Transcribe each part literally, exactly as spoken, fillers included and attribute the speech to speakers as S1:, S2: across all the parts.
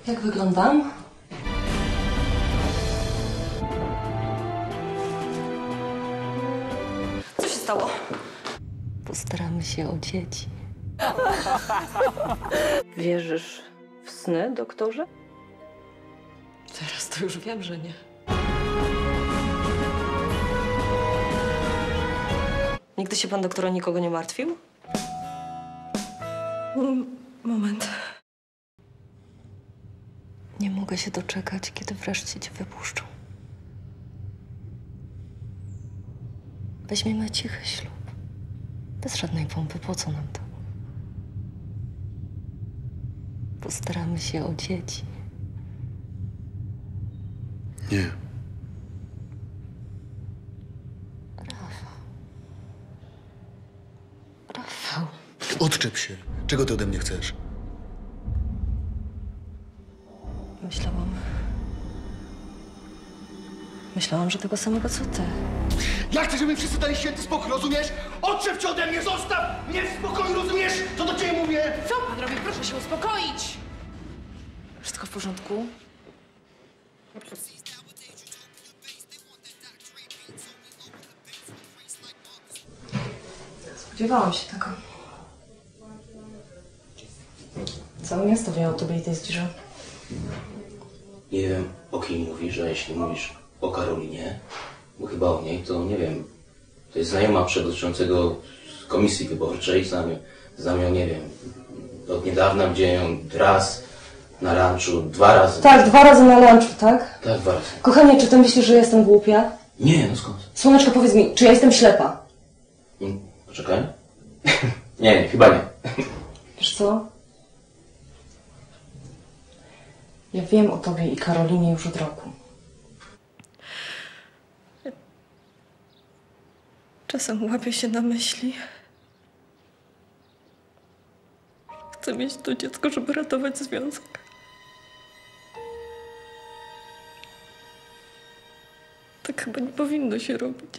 S1: Jak wyglądam? Co się stało?
S2: Postaramy się o dzieci.
S1: Wierzysz w sny, doktorze?
S2: Teraz to już wiem, że nie.
S1: Nigdy się pan doktor o nikogo nie martwił? Moment.
S2: Nie mogę się doczekać, kiedy wreszcie cię wypuszczą. Weźmiemy cichy ślub. Bez żadnej pompy. Po co nam to? Postaramy się o dzieci.
S3: Nie.
S2: Rafał. Rafał.
S3: Odczep się. Czego ty ode mnie chcesz?
S1: Myślałam... Myślałam, że tego samego co ty.
S4: Ja chcę, żeby wszyscy dali święty spokój, rozumiesz? Odczep cię ode mnie, zostaw mnie w spokoju, rozumiesz? Co do ciebie mówię?
S5: Co pan robi? Proszę się uspokoić!
S1: Wszystko w porządku? Spodziewałam się tego. Całe miasto wie o tobie i tej zdzirze.
S6: Nie wiem, o kim mówisz, a jeśli mówisz o Karolinie, bo chyba o niej, to nie wiem. To jest znajoma przewodniczącego komisji wyborczej, znam ją, znam ją, nie wiem, od niedawna widziałem ją raz na lunchu, dwa razy.
S1: Tak, dwa razy na lunchu, tak?
S6: Tak, dwa razy.
S1: Kochanie, czy ty myślisz, że jestem głupia?
S6: Nie, no skąd?
S1: Słoneczko, powiedz mi, czy ja jestem ślepa?
S6: Hmm, poczekaj. nie, nie, chyba nie.
S1: Wiesz co? Ja wiem o tobie i Karolinie już od roku. Czasem łapię się na myśli. Chcę mieć to dziecko, żeby ratować związek. Tak chyba nie powinno się robić.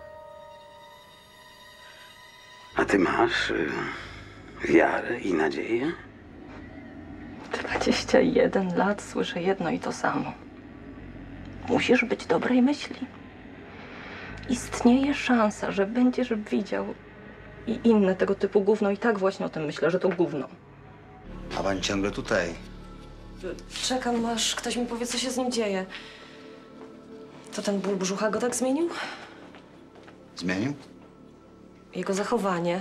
S7: A ty masz y, wiarę i nadzieję?
S2: dwadzieścia jeden lat słyszę jedno i to samo. Musisz być dobrej myśli. Istnieje szansa, że będziesz widział i inne tego typu gówno. I tak właśnie o tym myślę, że to gówno.
S7: A pani ciągle tutaj.
S1: Czekam, aż ktoś mi powie, co się z nim dzieje. To ten ból brzucha go tak zmienił?
S7: Zmienił?
S1: Jego zachowanie.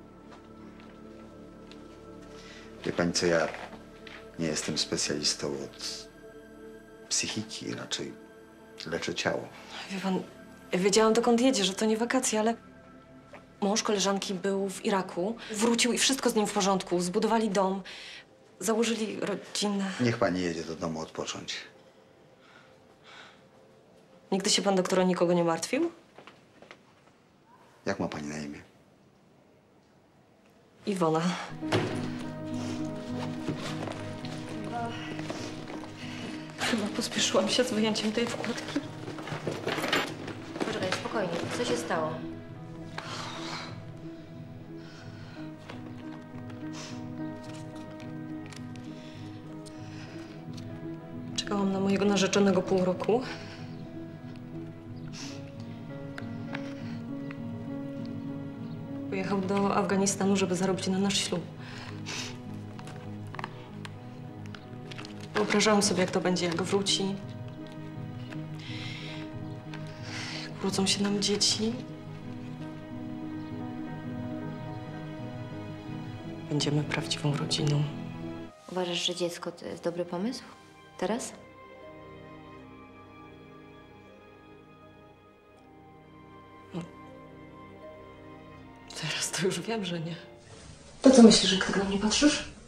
S7: Wie pani co, ja nie jestem specjalistą od psychiki, raczej leczę ciało.
S1: Wie pan, ja wiedziałam, dokąd jedzie, że to nie wakacje, ale mąż koleżanki był w Iraku. Wrócił i wszystko z nim w porządku. Zbudowali dom, założyli rodzinę.
S7: Niech pani jedzie do domu odpocząć.
S1: Nigdy się pan doktor o nikogo nie martwił?
S7: Jak ma pani na imię?
S1: Iwona. Chyba pospieszyłam się z wyjęciem tej wkładki.
S5: Poczekaj, spokojnie. Co się stało?
S1: Czekałam na mojego narzeczonego pół roku. Pojechał do Afganistanu, żeby zarobić na nasz ślub. Wyobrażałam sobie, jak to będzie, jak wróci. Jak urodzą się nam dzieci. Będziemy prawdziwą rodziną.
S5: Uważasz, że dziecko to jest dobry pomysł? Teraz?
S1: Teraz to już wiem, że nie. To co myślisz, jak tak na mnie patrzysz?